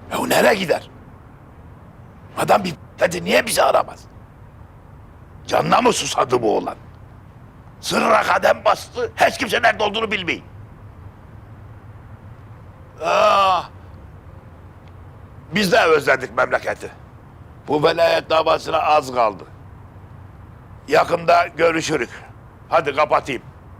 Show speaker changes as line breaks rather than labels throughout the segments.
Ya nereye gider? Adam bir dedi niye bizi aramaz? Canına mı susadı bu oğlan? Sırra kadem bastı, hiç kimse nerede olduğunu bilmeyin. Ah! Biz de özledik memleketi. Bu velayet davasına az kaldı. Yakında görüşürük. Hadi kapatayım.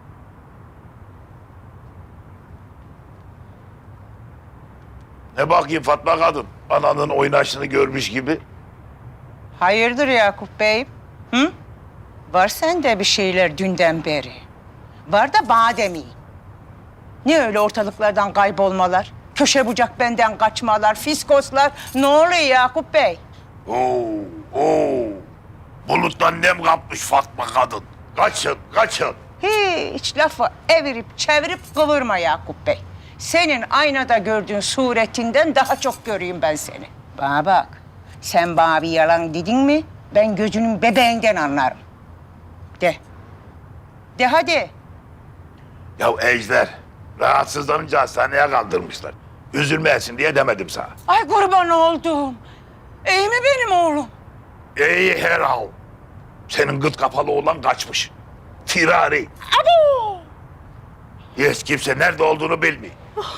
Ne bakayım Fatma kadın, ananın oynaşını görmüş gibi.
Hayırdır Yakup Bey? Hı? Var sende bir şeyler dünden beri. Var da bana demeyin. Ne öyle ortalıklardan kaybolmalar? Köşe bucak benden kaçmalar, fiskoslar. Ne oluyor Yakup Bey?
Oo. Buluttan nem kapmış Fatma kadın. Kaçın, kaçın.
Hiç lafı evirip çevirip kıvırma Yakup Bey. Senin aynada gördüğün suretinden daha çok göreyim ben seni. Bana bak, sen bana bir yalan dedin mi ben gözünün bebeğinden anlarım. De. De hadi.
Ya Ejder, rahatsızlanınca hastaneye kaldırmışlar. Üzülmeyesin diye demedim sana.
Ay kurban oldum. İyi mi benim oğlum?
İyi herhal. Senin gıt kapalı olan kaçmış. Firari.
Abo!
Hiç kimse nerede olduğunu bilmiyor.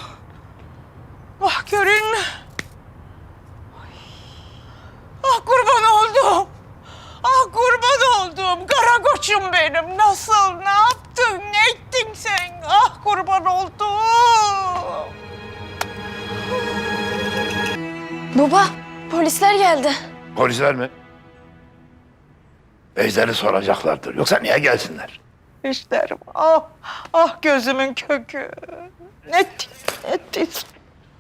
Ah görün mü? Ah kurban oldum. Ah kurban oldum. Kara koçum benim. Nasıl, ne yaptın, ne ettin sen? Ah kurban oldum.
Baba, polisler geldi.
Polisler mi? Ejder'i soracaklardır. Yoksa niye gelsinler?
İşlerim. Ah, ah gözümün kökü. Ne ettin?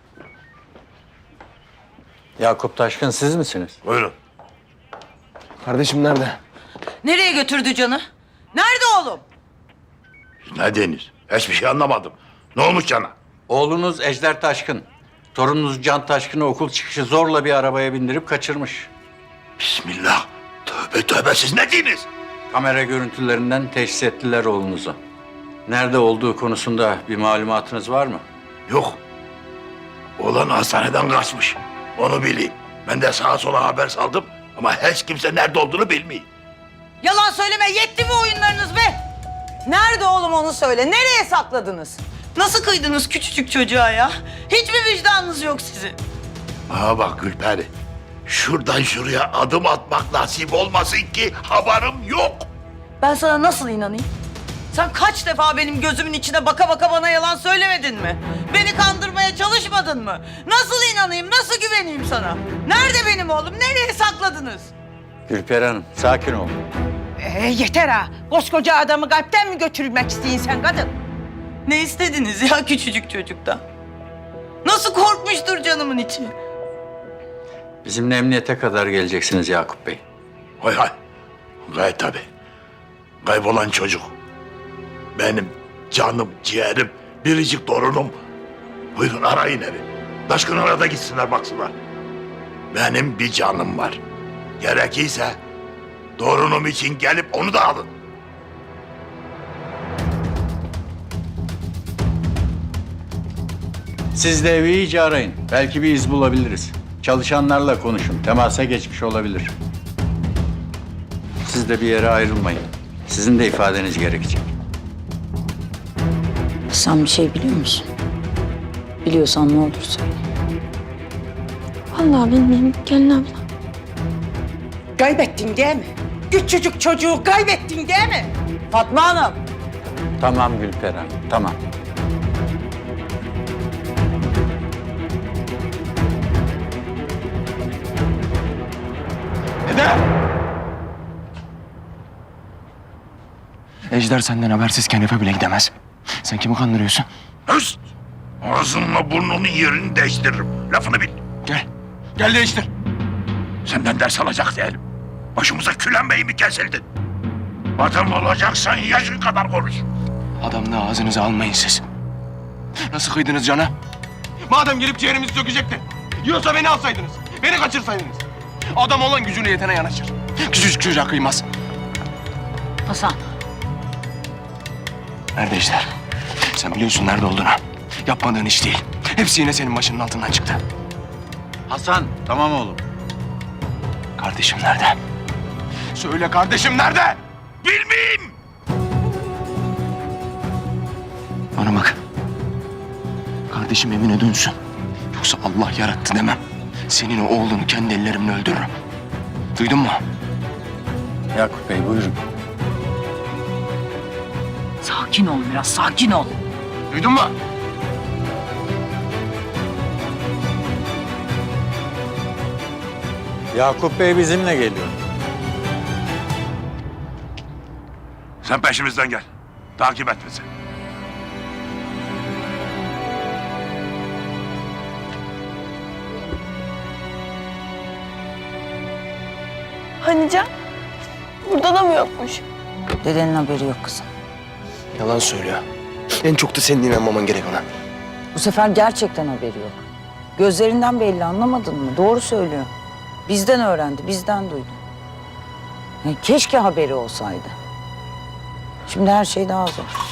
Yakup Taşkın siz misiniz?
Buyurun.
Kardeşim nerede?
Nereye götürdü canı? Nerede oğlum?
Ne deniz? Hiçbir şey anlamadım. Ne olmuş cana?
Oğlunuz Ejder Taşkın. Torununuz Can Taşkın'ı okul çıkışı zorla bir arabaya bindirip kaçırmış.
Bismillah. Tövbe tövbe siz ne diniz?
Kamera görüntülerinden teşhis ettiler oğlunuzu. Nerede olduğu konusunda bir malumatınız var mı?
Yok. Oğlan hastaneden kaçmış. Onu bileyim. Ben de sağa sola haber saldım. Ama hiç kimse nerede olduğunu bilmiyor.
Yalan söyleme, yetti mi oyunlarınız be? Nerede oğlum onu söyle, nereye sakladınız? Nasıl kıydınız küçücük çocuğa ya? Hiç mi vicdanınız yok sizin?
Aa bak Gülperi. Şuradan şuraya adım atmak nasip olmasın ki haberim yok.
Ben sana nasıl inanayım? Sen kaç defa benim gözümün içine baka baka bana yalan söylemedin mi? Beni kandırmaya çalışmadın mı? Nasıl inanayım, nasıl güveneyim sana? Nerede benim oğlum, nereye sakladınız?
Gülperi Hanım, sakin olun.
Yeter ha. Koskoca adamı kalpten mi götürmek isteyin sen kadın?
Ne istediniz ya küçücük çocuktan? Nasıl korkmuştur canımın içi?
Bizimle emniyete kadar geleceksiniz Yakup Bey.
Hay hay. Gayet tabii. Kaybolan çocuk. Benim canım, ciğerim, biricik torunum. Buyurun arayın evi. Taşkın arada gitsinler baksınlar. Benim bir canım var. Gerekirse torunum için gelip onu da alın.
Siz de evi iyice arayın. Belki bir iz bulabiliriz. Çalışanlarla konuşun. Temasa geçmiş olabilir. Siz de bir yere ayrılmayın. Sizin de ifadeniz gerekecek.
Sen bir şey biliyor musun? Biliyorsan ne olur söyle. Vallahi bilmiyorum gelin abla.
Kaybettin değil mi? Küçücük çocuğu kaybettin değil mi?
Fatma Hanım.
Tamam Gülperi Hanım, tamam.
Ejder senden habersizken eve bile gidemez. Sen kimi kandırıyorsun?
Hıst! Ağzınla burnunun yerini değiştiririm. Lafını bil.
Gel. Gel değiştir.
Senden ders alacak değilim. Başımıza külenmeyi mi kesildin? Adam olacaksan yaşın kadar konuş.
Adamla ağzınızı almayın siz. Nasıl kıydınız cana? Madem gelip ciğerimizi sökecekti. Yiyorsa beni alsaydınız. Beni kaçırsaydınız. Adam olan gücüne yetene yanaşır. Küçücük çocuğa kıymaz.
Hasan.
Nerede Ejder? Sen biliyorsun nerede olduğunu. Yapmadığın iş değil. Hepsi yine senin başının altından çıktı.
Hasan, tamam oğlum.
Kardeşim nerede? Söyle kardeşim nerede?
Bilmeyeyim.
Bana bak. Kardeşim evine dönsün. Yoksa Allah yarattı demem. Senin o oğlunu kendi ellerimle öldürürüm. Duydun mu?
Yakup Bey buyurun.
Sakin ol biraz, sakin ol.
Duydun mu?
Yakup Bey bizimle geliyor.
Sen peşimizden gel. Takip et bizi.
Hani Can? Burada da mı yokmuş?
Dedenin haberi yok kızım.
Yalan söylüyor. En çok da senin inanmaman gerek ona.
Bu sefer gerçekten haberi yok. Gözlerinden belli, anlamadın mı? Doğru söylüyor. Bizden öğrendi, bizden duydu. Keşke haberi olsaydı. Şimdi her şey daha zor.